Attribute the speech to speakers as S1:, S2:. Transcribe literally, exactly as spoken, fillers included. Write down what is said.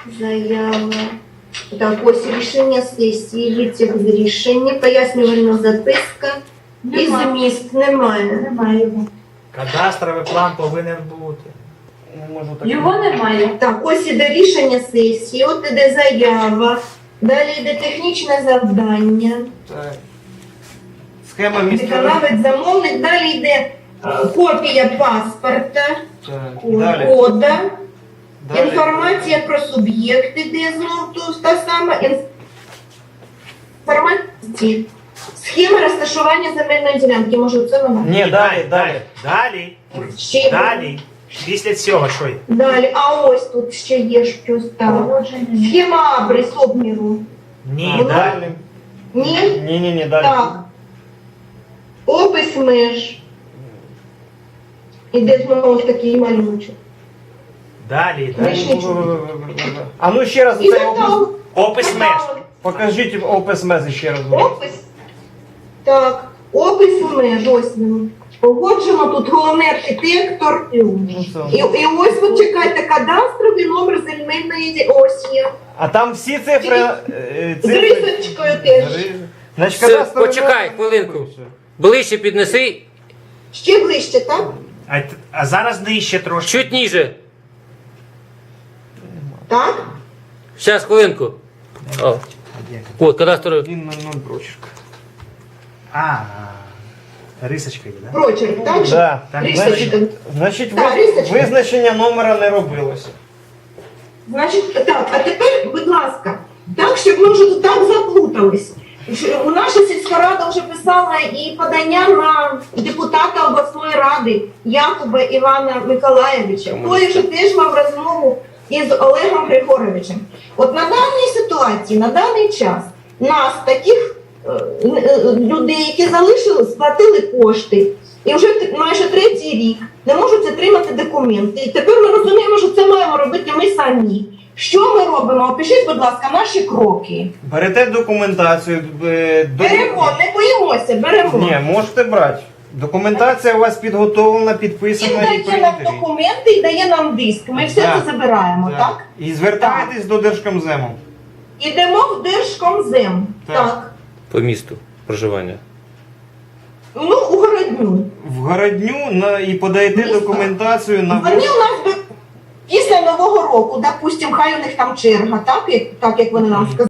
S1: Заява. Так, ось рішення сесії, витяг з рішення, пояснювальна записка і
S2: Нема.
S1: зміст немає.
S2: Немає його.
S3: Кадастровий план повинен бути.
S4: Не можу так.
S2: Його немає.
S1: Так, ось іде рішення сесії, от іде заява, далі йде технічне завдання,
S4: Так. Схема міста.
S1: виконавець замовник, далі йде е, копія паспорта,
S4: Так. Далі.
S1: кода,
S4: Далі.
S1: інформація про суб'єкти, де знову ту- та сама інформація, схема розташування земельної ділянки, може це вона?
S4: Ні, далі, далі.
S3: Далі.
S1: Ще є.
S3: Далі. Після цього що є?
S1: Далі, а ось тут ще є щось там.
S2: Погодження.
S1: Схема абрис обміру.
S3: Ні,
S4: А,
S3: далі.
S4: далі.
S1: Ні?
S4: Ні, ні, ні, далі.
S1: Так. Опис меж. Іде знову ось такий малюночок.
S3: Далі, далі.
S1: Вишні.
S4: А ну ще раз
S1: І
S4: цей опис.
S1: затал.
S3: Опис меж.
S4: Покажіть опис мези ще раз. будь ласка.
S1: Опис. Так. Опис меж. Ось він. Погоджено тут головний архітектор.
S4: Ну,
S1: І,
S4: це-
S1: і ось от чекайте, кадастровий номер земельної ді- ось є.
S4: А там всі цифри. е,
S1: З
S4: цифри-
S1: рисочкою теж.
S4: Значить,
S5: Все,
S4: кадастровий
S5: почекай
S4: номер-
S5: хвилинку. Ближче піднеси,
S1: Ще ближче, так?
S3: А, т- а зараз нижче трошки.
S5: чуть ніже.
S1: Так?
S5: Зараз, хвилинку. О, от, кадастровий.
S4: Він на ноль прочерк.
S3: А, рисочка є, так? Да?
S1: Прочерк, так же?
S4: Да.
S3: Так,
S4: Значить,
S1: Рисочка.
S4: значить
S1: Так,
S4: ви-
S1: рисочка.
S4: визначення номера не робилося.
S1: Значить, так, а тепер, будь ласка, так, щоб ми вже тут так заплутались. Що у наша сільська рада вже писала і подання на депутата обласної ради Якуба Івана Миколаєвича. Той вже теж мав розмову із Олегом Григоровичем. От на даній ситуації, на даний час, нас, таких е, е, людей, які залишили, сплатили кошти, і вже т- майже третій рік не можуть отримати документи. І тепер ми розуміємо, що це маємо робити ми самі. Що ми робимо? Опишіть, будь ласка, наші кроки.
S4: Берете документацію. е, до-
S1: Беремо, не боїмося, беремо.
S4: Ні, можете брати. Документація у вас підготовлена,
S1: Він
S4: підписана і
S1: дає нам
S4: принтері.
S1: документи і дає нам диск. Ми все
S4: Так.
S1: це забираємо,
S4: Так.
S1: так?
S4: І звертаєтесь до Держкомзему.
S1: Ідемо в Держкомзем.
S4: Так.
S1: Так.
S5: По місту проживання.
S1: Ну, у Городню.
S4: В Городню на, і подаєте
S1: Місто.
S4: документацію на
S1: Вони у нас би- після Нового року, допустимо, хай у них там черга, так, як, так, як вони нам сказали.